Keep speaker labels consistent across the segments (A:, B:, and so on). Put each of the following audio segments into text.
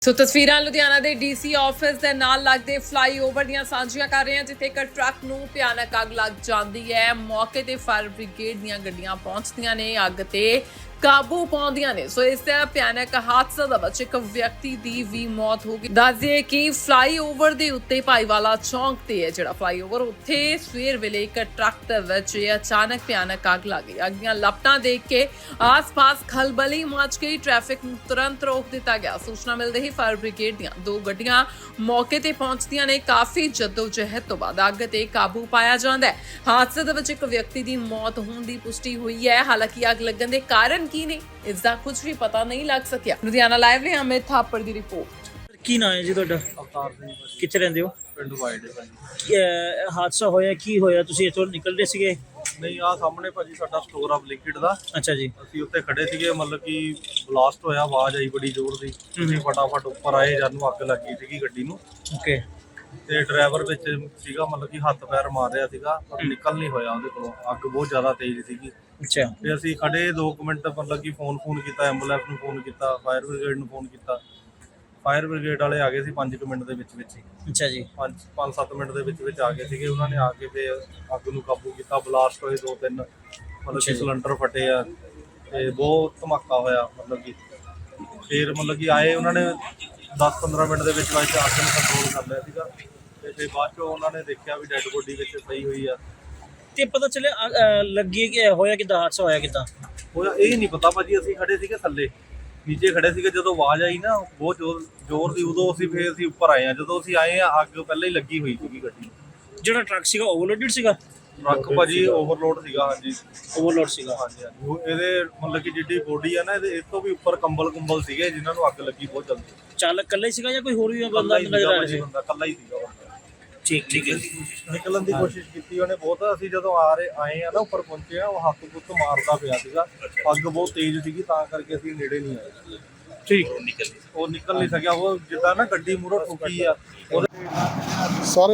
A: ਸੋ ਤਸਵੀਰਾਂ ਲੁਧਿਆਣਾ ਦੇ DC office ਦੇ ਨਾਲ ਲੱਗਦੇ ਫਲਾਈਓਵਰ ਦੀਆਂ ਸਾਂਝੀਆਂ ਕਰ ਰਹੇ ਹਾਂ, ਜਿੱਥੇ ਇੱਕ ਟਰੱਕ ਨੂੰ ਭਿਆਨਕ ਅੱਗ ਲੱਗ ਜਾਂਦੀ ਹੈ। ਮੌਕੇ ਤੇ ਫਾਇਰ ਬ੍ਰਿਗੇਡ ਦੀਆਂ ਗੱਡੀਆਂ ਪਹੁੰਚਦੀਆਂ ਨੇ, ਅੱਗ ਤੇ ਕਾਬੂ ਪਾਉਂਦੀਆਂ ਨੇ। ਸੋ ਇਸ ਭਿਆਨਕ ਹਾਦਸੇ ਦੇ ਵਿੱਚ ਇੱਕ ਵਿਅਕਤੀ ਦੀ ਵੀ ਮੌਤ ਹੋ ਗਈ। ਦੱਸ ਦਈਏ ਕਿ ਫਲਾਈਓਵਰ ਦੇ ਉੱਤੇ ਭਾਈਵਾਲਾ ਚੌਂਕ ਤੇ ਹੈ ਜਿਹੜਾ ਫਲਾਈਓਵਰ, ਉੱਥੇ ਸਵੇਰ ਵੇਲੇ ਇੱਕ ਟਰੱਕ ਦੇ ਵਿੱਚ ਅਚਾਨਕ ਭਿਆਨਕ ਅੱਗ ਲੱਗ ਗਈ। ਅੱਗ ਦੀਆਂ ਲਪਟਾਂ ਦੇਖ ਕੇ ਆਸ-ਪਾਸ ਖਲਬਲੀ ਮਚ ਗਈ। ਟ੍ਰੈਫਿਕ ਨੂੰ ਤੁਰੰਤ ਰੋਕ ਦਿੱਤਾ ਗਿਆ। ਸੂਚਨਾ ਮਿਲਦੇ ਹੀ ਫਾਇਰ ਬ੍ਰਿਗੇਡ ਦੀਆਂ 2 ਗੱਡੀਆਂ ਮੌਕੇ ਤੇ ਪਹੁੰਚਦੀਆਂ ਨੇ। ਕਾਫੀ ਜਹਿਦ ਤੋਂ ਬਾਅਦ ਅੱਗ ਤੇ ਕਾਬੂ ਪਾਇਆ ਜਾਂਦਾ ਹੈ। ਹਾਦਸੇ ਦੇ ਵਿੱਚ ਇੱਕ ਵਿਅਕਤੀ ਦੀ ਮੌਤ ਹੋਣ ਦੀ ਪੁਸ਼ਟੀ ਹੋਈ ਹੈ। ਹਾਲਾਂਕਿ ਅੱਗ ਲੱਗਣ ਦੇ ਕਾਰਨ ਕੀ ਨੇ, ਇਸ ਦਾ ਕੁਝ ਵੀ ਪਤਾ ਨਹੀਂ ਲੱਗ ਸਕਿਆ। ਲੁਧਿਆਣਾ ਲਾਈਵ ਲਈ ਅਮਿਤ ਥਾਪੜ ਦੀ ਰਿਪੋਰਟ।
B: ਕੀ ਨਾਂ ਹੈ ਜੀ ਤੁਹਾਡਾ?
C: ਅਵਤਾਰ ਸਿੰਘ ਭਾਜੀ,
B: ਕਿੱਥੇ ਰਹਿੰਦੇ ਹੋ?
C: ਪਿੰਡ ਵਾਈਡ ਹੈ ਭਾਜੀ।
B: ਹਾਦਸਾ ਹੋਇਆ ਕੀ ਹੋਇਆ? ਤੁਸੀਂ ਇੱਥੋਂ ਨਿਕਲਦੇ ਸੀਗੇ?
C: ਨਹੀਂ, ਆਹ ਸਾਹਮਣੇ ਭਾਜੀ ਸਾਡਾ ਸਟੋਰ ਆ ਲਿਕਵਿਡ ਦਾ।
B: ਅੱਛਾ ਜੀ।
C: ਅਸੀਂ ਉੱਤੇ ਖੜੇ ਸੀਗੇ, ਮਤਲਬ ਕਿ ਬਲਾਸਟ ਹੋਇਆ, ਆਵਾਜ਼ ਆਈ ਬੜੀ ਜ਼ੋਰ ਦੀ। ਅਸੀਂ ਫਟਾਫਟ ਉੱਪਰ ਆਏ, ਜਦ ਨੂੰ ਅੱਗ ਲੱਗੀ ਸੀਗੀ ਗੱਡੀ ਨੂੰ।
B: ਓਕੇ।
C: ਤੇ ਡਰਾਈਵਰ ਵਿੱਚ ਸੀਗਾ, ਮਤਲਬ ਕਿ ਹੱਥ ਪੈਰ ਮਾਰ ਰਿਹਾ ਸੀਗਾ, ਪਰ ਨਿਕਲ ਨਹੀਂ ਹੋਇਆ ਉਹਦੇ ਕੋਲੋਂ, ਅੱਗ ਬਹੁਤ ਜ਼ਿਆਦਾ ਤੇਜ਼ ਸੀਗੀ।
B: ਅੱਛਾ।
C: ਤੇ ਅਸੀਂ ਖੜੇ 2 ਮਿੰਟ, ਮਤਲਬ ਕਿ ਫੋਨ ਕੀਤਾ, ਐਂਬੂਲੈਂਸ ਨੂੰ ਫੋਨ ਕੀਤਾ, ਫਾਇਰ ਬ੍ਰਿਗੇਡ ਨੂੰ ਫੋਨ ਕੀਤਾ। ਫਾਇਰ ਬ੍ਰਿਗੇਡ ਵਾਲੇ ਆ ਗਏ ਸੀ 5 ਮਿੰਟ ਦੇ ਵਿੱਚ ਹੀ।
B: ਅੱਛਾ ਜੀ।
C: 5-7 ਮਿੰਟ ਦੇ ਵਿੱਚ ਆ ਗਏ ਸੀਗੇ। ਉਹਨਾਂ ਨੇ ਆ ਕੇ ਤੇ ਅੱਗ ਨੂੰ ਕਾਬੂ ਕੀਤਾ। ਬਲਾਸਟ ਹੋਏ 2-3, ਮਤਲਬ ਕਿ ਸਿਲੰਡਰ ਫਟੇ ਆ ਤੇ ਬਹੁਤ ਧਮਾਕਾ ਹੋਇਆ। ਮਤਲਬ ਕਿ ਫਿਰ ਮਤਲਬ ਕਿ ਆਏ, ਉਹਨਾਂ ਨੇ 10-15 ਮਿੰਟ ਦੇ ਵਿੱਚ ਅੱਗ ਨੂੰ ਕੰਟਰੋਲ ਕਰ ਲਿਆ ਸੀਗਾ। ਤੇ ਫਿਰ ਬਾਅਦ ਚੋਂ ਉਹਨਾਂ ਨੇ ਦੇਖਿਆ ਵੀ ਡੈੱਡ ਬੋਡੀ ਵਿੱਚ ਪਈ ਹੋਈ ਆ।
B: ਤੇ ਪਤਾ ਚੱਲਿਆ ਲੱਗੀ ਕਿ ਹੋਇਆ ਕਿੱਦਾਂ? ਹਾਦਸਾ ਹੋਇਆ ਕਿੱਦਾਂ?
C: ਹੋਇਆ ਇਹ ਨਹੀਂ ਪਤਾ ਭਾਜੀ। ਅਸੀਂ ਖੜੇ ਸੀਗੇ ਥੱਲੇ, ਨੀਚੇ ਖੜੇ ਸੀਗੇ। ਜਦੋਂ ਆਵਾਜ਼ ਆਈ ਨਾ ਬਹੁਤ ਜ਼ੋਰ ਦੀ, ਉਦੋਂ ਅਸੀਂ ਉੱਪਰ ਆਏ ਆ। ਜਦੋਂ ਅਸੀਂ ਆਏ ਆ, ਅੱਗ ਪਹਿਲਾਂ ਹੀ ਲੱਗੀ ਹੋਈ ਸੀਗੀ ਗੱਡੀ।
B: ਜਿਹੜਾ ਟਰੱਕ ਸੀਗਾ ਓਵਰਲੋਡਡ ਸੀਗਾ?
C: ਟਰੱਕ ਭਾਜੀ ਓਵਰਲੋਡ ਸੀਗਾ। ਹਾਂਜੀ,
B: ਓਵਰਲੋਡ ਸੀਗਾ।
C: ਹਾਂਜੀ। ਇਹਦੇ ਮਤਲਬ ਕਿ ਜਿੱਡੀ ਬੋਡੀ ਆ ਨਾ, ਇਹਦੇ ਇਸ ਤੋਂ ਵੀ ਉੱਪਰ ਕੰਬਲ ਸੀਗੇ ਜਿਨ੍ਹਾਂ ਨੂੰ ਅੱਗ ਲੱਗੀ ਬਹੁਤ ਜਲਦੀ।
B: ਚਾਲਕ ਇਕੱਲਾ ਹੀ ਸੀਗਾ ਜਾਂ ਕੋਈ ਹੋਰ ਵੀ ਬੰਦਾ ਨਜ਼ਰ ਆ ਰਿਹਾ ਸੀ?
C: ਬੰਦਾ ਇਕੱਲਾ ਹੀ ਸੀਗਾ।
B: ਠੀਕ ਹੈ।
C: ਨਿਕਲਣ ਦੀ ਕੋਸ਼ਿਸ਼ ਕੀਤੀ ਉਹਨੇ ਬਹੁਤ। ਅਸੀਂ ਜਦੋਂ ਆਏ ਆ ਨਾ, ਉੱਪਰ ਪਹੁੰਚੇ ਆ, ਉਹ ਹੱਥ ਗੁੱਤ ਮਾਰਦਾ ਪਿਆ ਸੀਗਾ। ਅੱਗ ਬਹੁਤ ਤੇਜ਼ ਸੀਗੀ, ਤਾਂ ਕਰਕੇ ਅਸੀਂ ਨੇੜੇ ਨਹੀਂ ਆਏ।
B: ਠੀਕ।
C: ਉਹ ਨਿਕਲ ਨਹੀਂ ਸਕਿਆ। ਉਹ ਜਿੱਦਾਂ ਨਾ ਗੱਡੀ ਮੂਹਰੋਂ ਠੁੱਕੀ ਆ
D: ਸਾਰੇ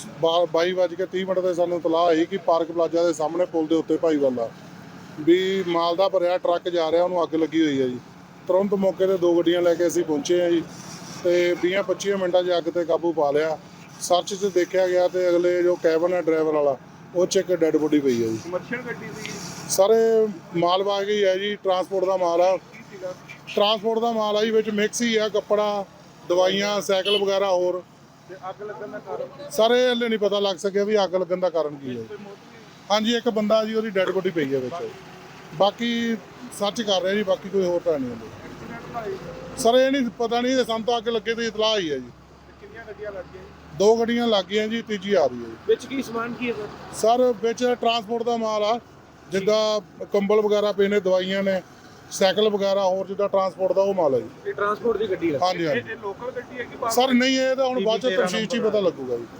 D: 22:30 ਤੇ ਸਾਨੂੰ ਇਤਲਾਹ ਆਈ ਕਿ ਪਾਰਕ ਪਲਾਜ਼ਾ ਦੇ ਸਾਹਮਣੇ ਪੁਲ ਦੇ ਉੱਤੇ ਭਾਈਵਾਲਾ ਵੀ ਮਾਲ ਦਾ ਭਰਿਆ ਟਰੱਕ ਜਾ ਰਿਹਾ, ਉਹਨੂੰ ਅੱਗ ਲੱਗੀ ਹੋਈ ਹੈ ਜੀ। ਤੁਰੰਤ ਮੌਕੇ ਤੇ 2 ਗੱਡੀਆਂ ਲੈ ਕੇ ਅਸੀਂ ਪਹੁੰਚੇ ਹਾਂ ਜੀ, ਤੇ 20-25 ਮਿੰਟਾਂ 'ਚ ਅੱਗ ਤੇ ਕਾਬੂ ਪਾ ਲਿਆ। ਸਰਚ 'ਚ ਦੇਖਿਆ ਗਿਆ ਤੇ ਅਗਲੇ ਜੋ ਕੈਬਨ ਹੈ ਡਰਾਈਵਰ ਵਾਲਾ, ਉਹ 'ਚ ਇੱਕ ਡੈੱਡ ਬੋਡੀ ਪਈ ਹੈ ਜੀ। ਕਮਰਸ਼ੀਅਲ ਗੱਡੀ ਸੀ ਸਾਰੇ, ਮਾਲ ਹੀ ਹੈ ਜੀ, ਟਰਾਂਸਪੋਰਟ ਦਾ ਮਾਲ ਆ। ਟਰਾਂਸਪੋਰਟ ਦਾ ਮਾਲ ਆ ਜੀ, ਵਿੱਚ ਮਿਕਸ ਹੀ ਆ, ਕੱਪੜਾ, ਦਵਾਈਆਂ, ਸਾਈਕਲ ਵਗੈਰਾ ਹੋਰ। ਤੇ ਅੱਗ ਲੱਗਣ ਦਾ ਕਾਰਨ ਸਾਰੇ ਹਲੇ ਨਹੀਂ ਪਤਾ ਲੱਗ ਸਕਿਆ ਵੀ ਅੱਗ ਲੱਗਣ ਦਾ ਕਾਰਨ ਕੀ ਹੈ। ਹਾਂਜੀ, ਇੱਕ ਬੰਦਾ ਜੀ, ਉਹਦੀ ਡੈੱਡ ਬੋਡੀ ਪਈ ਹੈ ਵਿੱਚ। ਬਾਕੀ ਸਰਚ ਕਰ ਰਹੇ ਜੀ, ਬਾਕੀ ਕੋਈ ਹੋਰ ਤਾਂ ਨਹੀਂ ਹੁੰਦੀ ਸਰ। ਇਹ ਨਹੀਂ ਪਤਾ ਨਹੀਂ, ਸਾਨੂੰ ਤਾਂ ਅੱਗ ਲੱਗੇ ਤੇ ਇਤਲਾਹ ਹੀ ਹੈ ਜੀ। ਕਿੰਨੀਆਂ ਗੱਡੀਆਂ ਲੱਗ ਗਈਆਂ? 2 ਗੱਡੀਆਂ ਲੱਗ ਗਈਆਂ ਜੀ, ਤੀਜੀ ਆ ਰਹੀ ਹੈ ਜੀ। ਵਿੱਚ ਕੀ ਸਮਾਨ ਕੀ ਹੈ ਸਰ? ਵਿੱਚ ਟਰਾਂਸਪੋਰਟ ਦਾ ਮਾਲ ਆ, ਜਿੱਦਾਂ ਕੰਬਲ ਵਗੈਰਾ ਪਏ ਨੇ, ਦਵਾਈਆਂ ਨੇ, ਸਾਈਕਲ ਵਗੈਰਾ ਹੋਰ, ਜਿੱਦਾਂ ਟਰਾਂਸਪੋਰਟ ਦਾ ਉਹ ਮਾਲ ਹੈ ਜੀ। ਇਹ ਟਰਾਂਸਪੋਰਟ ਦੀ ਗੱਡੀ ਹੈ? ਹਾਂਜੀ ਹਾਂਜੀ। ਇਹ ਲੋਕਲ ਗੱਡੀ ਹੈ ਕਿ ਸਰ? ਨਹੀਂ, ਇਹ ਤਾਂ ਹੁਣ ਬਾਅਦ ਚ ਤਫਸੀਲ 'ਚ ਹੀ ਪਤਾ ਲੱਗੂਗਾ ਜੀ।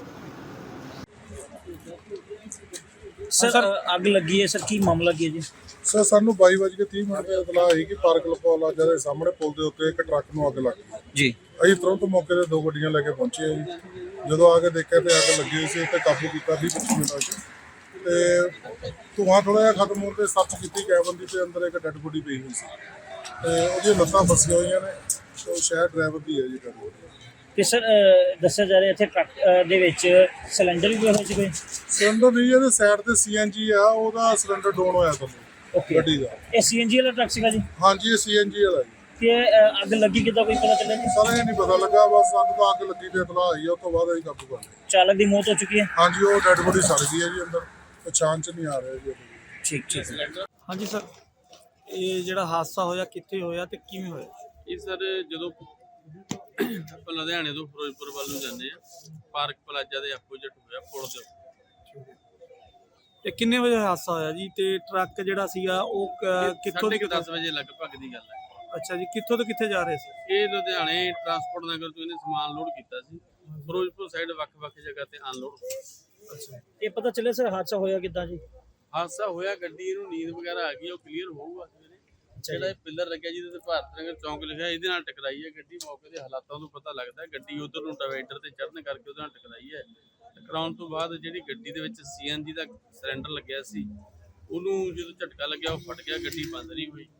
B: ਸਰ ਅੱਗ ਲੱਗੀ ਹੈ ਸਰ, ਕੀ ਮਾਮਲਾ ਕੀ ਹੈ ਜੀ?
D: ਸਰ, ਸਾਨੂੰ 22:30 ਤੇ ਇਤਲਾਹ ਆਈ ਕਿ ਪਾਰਕ ਪਲਾਜ਼ਾ ਦੇ ਸਾਹਮਣੇ ਪੁਲ ਦੇ ਉੱਤੇ ਇੱਕ ਟਰੱਕ ਨੂੰ ਅੱਗ ਲੱਗ ਗਈ
B: ਜੀ।
D: ਅਸੀਂ ਤੁਰੰਤ ਮੌਕੇ ਤੇ 2 ਗੱਡੀਆਂ ਲੈ ਕੇ ਪਹੁੰਚੇ ਹਾਂ ਜੀ। ਜਦੋਂ ਆ ਕੇ ਦੇਖਿਆ ਤੇ ਅੱਗ ਲੱਗੀ ਹੋਈ ਸੀ, ਤੇ ਕਾਬੂ ਕੀਤਾ 20-25 ਮਿੰਟਾਂ 'ਚ। ਤੇ ਧੂੰਆਂ ਥੋੜ੍ਹਾ ਜਿਹਾ ਖਤਮ ਹੋਣ ਤੇ ਸਰਚ ਕੀਤੀ ਕੈਬਨ ਦੀ, ਤੇ ਅੰਦਰ ਇੱਕ ਡੈੱਡ ਬੋਡੀ ਪਈ ਹੋਈ ਸੀ, ਤੇ ਉਹਦੀਆਂ ਲੱਤਾਂ ਫਸੀਆਂ ਹੋਈਆਂ ਨੇ। ਉਹ ਸ਼ਾਇਦ ਡਰਾਈਵਰ ਦੀ ਹੈ ਜੀ ਡੈੱਡ ਬੋਡੀ।
B: ਤੇ ਸਰ ਦੱਸਿਆ ਜਾ ਰਿਹਾ ਇੱਥੇ ਟਰੱਕ ਦੇ ਵਿੱਚ ਸਿਲੰਡਰ ਵੀ ਹੋਇਆ ਸੀ ਕੋਈ?
D: ਸਿਲੰਡਰ ਨਹੀਂ, ਇਹਦੇ ਸਾਈਡ ਤੇ CNG ਆ, ਉਹਦਾ ਸਿਲੰਡਰ ਡਾਊਨ ਹੋਇਆ ਤੁਹਾਨੂੰ ਗੱਡੀ ਦਾ।
B: ਇਹ CNG ਵਾਲਾ ਟਰੱਕ ਸੀਗਾ ਜੀ?
D: ਹਾਂਜੀ, ਇਹ CNG ਵਾਲਾ ਜੀ।
B: ਤੇ ਅੱਗ ਲੱਗੀ ਕਿੱਦਾਂ, ਕੋਈ ਪਤਾ ਚੱਲਿਆ ਜੀ?
D: ਸਾਰੇ ਇਹ ਨਹੀਂ ਪਤਾ ਲੱਗਾ, ਬਸ ਸਾਨੂੰ ਤਾਂ ਅੱਗ ਲੱਗੀ ਤੇ ਇਤਲਾਹ ਆਈ ਆ, ਉਸ ਤੋਂ ਬਾਅਦ ਅਸੀਂ ਕਾਬੂ ਕਰ ਲਿਆ।
B: ਚਾਲਕ ਦੀ ਮੌਤ ਹੋ ਚੁੱਕੀ ਹੈ?
D: ਹਾਂਜੀ, ਉਹ ਡੈੱਡ ਬੋਡੀ ਸੜ ਗਈ ਹੈ ਜੀ ਅੰਦਰ, ਪਛਾਣ 'ਚ ਨਹੀਂ ਆ ਰਿਹਾ ਜੀ।
B: ਠੀਕ।
E: ਹਾਂਜੀ ਸਰ, ਇਹ ਜਿਹੜਾ ਹਾਦਸਾ ਹੋਇਆ ਕਿੱਥੇ ਹੋਇਆ ਤੇ ਕਿਵੇਂ ਹੋਇਆ?
F: ਇਹ ਸਰ ਜਦੋਂ ਆਪਾਂ ਲੁਧਿਆਣੇ ਤੋਂ ਫਿਰੋਜ਼ਪੁਰ ਵੱਲ ਨੂੰ ਜਾਂਦੇ ਆ, ਪਾਰਕ ਪਲਾਜ਼ਾ ਦੇ ਆਪੋਜ਼ਿਟ ਹੋਇਆ ਪੁਲ ਦੇ ਉੱਤੇ।
E: ਤੇ ਕਿੰਨੇ ਵਜੇ ਹਾਦਸਾ ਹੋਇਆ ਜੀ? ਤੇ ਟਰੱਕ ਜਿਹੜਾ ਸੀਗਾ ਉਹ ਕਿੱਥੋਂ ਦੀ
F: 10 ਵਜੇ ਲਗਭਗ ਦੀ ਗੱਲ ਹੈ।
E: ਅੱਛਾ ਜੀ, ਕਿੱਥੋਂ ਤੋਂ ਕਿੱਥੇ ਜਾ ਰਹੇ ਸੀ?
F: ਇਹ ਲੁਧਿਆਣੇ ਟਰਾਂਸਪੋਰਟ ਨਗਰ ਤੋਂ ਇਹਨੇ ਸਮਾਨ ਲੋਡ ਕੀਤਾ ਸੀ, ਫਿਰੋਜ਼ਪੁਰ ਸਾਈਡ ਵੱਖ-ਵੱਖ ਜਗ੍ਹਾ ਤੇ ਅਨਲੋਡ।
E: ਅੱਛਾ,
B: ਇਹ ਪਤਾ ਚੱਲਿਆ ਸਰ ਹਾਦਸਾ ਹੋਇਆ ਕਿੱਦਾਂ ਜੀ?
F: ਹਾਦਸਾ ਹੋਇਆ, ਗੱਡੀ ਇਹਨੂੰ ਨੀਂਦ ਵਗੈਰਾ ਆ ਗਈ, ਉਹ ਕਲੀਅਰ ਹੋਊਗਾ। ਜਿਹੜਾ ਇਹ ਪਿੱਲਰ ਲੱਗਿਆ ਜਿਹਦੇ ਤੇ ਭਾਰਤ ਨਗਰ ਚੌਂਕ ਲਿਖਿਆ, ਇਹਦੇ ਨਾਲ ਟਕਰਾਈ ਹੈ ਗੱਡੀ। ਮੌਕੇ ਦੇ ਹਾਲਾਤਾਂ ਤੋਂ ਪਤਾ ਲੱਗਦਾ ਗੱਡੀ ਉਧਰ ਨੂੰ ਡਿਵਾਈਡਰ ਤੇ ਚੜ੍ਹਨ ਕਰਕੇ ਉਹਦੇ ਨਾਲ ਟਕਰਾਈ ਹੈ। ਟਕਰਾਉਣ ਤੋਂ ਬਾਅਦ ਜਿਹੜੀ ਗੱਡੀ ਦੇ ਵਿੱਚ CNG ਦਾ ਸਿਲੰਡਰ ਲੱਗਿਆ ਸੀ, ਉਹਨੂੰ ਜਦੋਂ ਝਟਕਾ ਲੱਗਿਆ, ਉਹ ਫਟ ਗਿਆ, ਗੱਡੀ ਬੰਦ ਨਹੀਂ ਹੋਈ।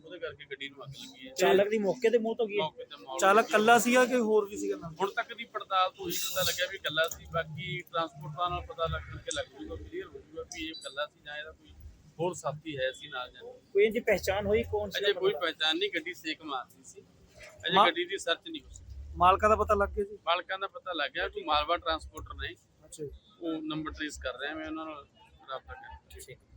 F: ਉਹਦੇ ਕਰਕੇ ਗੱਡੀ ਨੂੰ ਅੱਗ ਲੱਗੀ ਹੈ।
B: ਚਾਲਕ ਦੀ ਮੌਕੇ ਤੇ ਮੌਤ ਹੋ ਗਈ ਹੈ।
F: ਮੌਕੇ ਤੇ ਮੌਤ
E: ਚਾਲਕ
F: ਹੋ ਗਈ।
E: ਕੱਲਾ ਸੀਗਾ ਕਿ ਹੋਰ ਵੀ ਸੀਗਾ ਨਾਲ?
F: ਹੁਣ ਤੱਕ ਦੀ ਪੜਤਾਲ ਤੋਂ ਹੀ ਪਤਾ ਲੱਗਿਆ ਵੀ ਇਕੱਲਾ ਸੀ। ਬਾਕੀ ਟਰਾਂਸਪੋਰਟਰਾਂ ਨਾਲ ਪਤਾ ਲੱਗ ਕੇ ਲੱਗ ਜੂਗਾ, ਕਲੀਅਰ ਹੋ ਜੂਗਾ ਵੀ ਇਹ ਇਕੱਲਾ ਸੀ ਜਾਂ ਇਹਦਾ ਕੋਈ ਹੋਰ ਸਾਥੀ ਹੈ ਸੀ ਨਾਲ ਜਾਂ
B: ਕੋਈ ਇਹਦੀ ਪਹਿਚਾਣ ਹੋਈ ਕੌਣ ਸੀ?
F: ਅਜੇ ਕੋਈ ਪਹਿਚਾਣ ਨਹੀਂ। ਗੱਡੀ ਸੇਕ ਮਾਰਦੀ ਸੀ। ਅਜੇ
E: ਮਾ-
F: ਗੱਡੀ ਦੀ ਸਰਚ ਨਹੀਂ ਹੋ ਸਕੀ।
E: ਮਾਲਕਾਂ ਦਾ ਪਤਾ ਲੱਗ ਗਿਆ ਜੀ?
F: ਮਾਲਕਾਂ ਦਾ ਪਤਾ ਲੱਗ ਗਿਆ ਕਿ ਮਾਲਵਾ ਟਰਾਂਸਪੋਰਟਰ ਨੇ,
E: ਅੱਛਾ ਜੀ।
F: ਉਹ ਨੰਬਰ ਟ੍ਰੇਸ ਕਰ ਰਹੇ ਆ, ਮੈਂ ਉਹਨਾਂ ਨਾਲ ਰਾਬਤਾ ਕਰ
B: ਠੀਕ।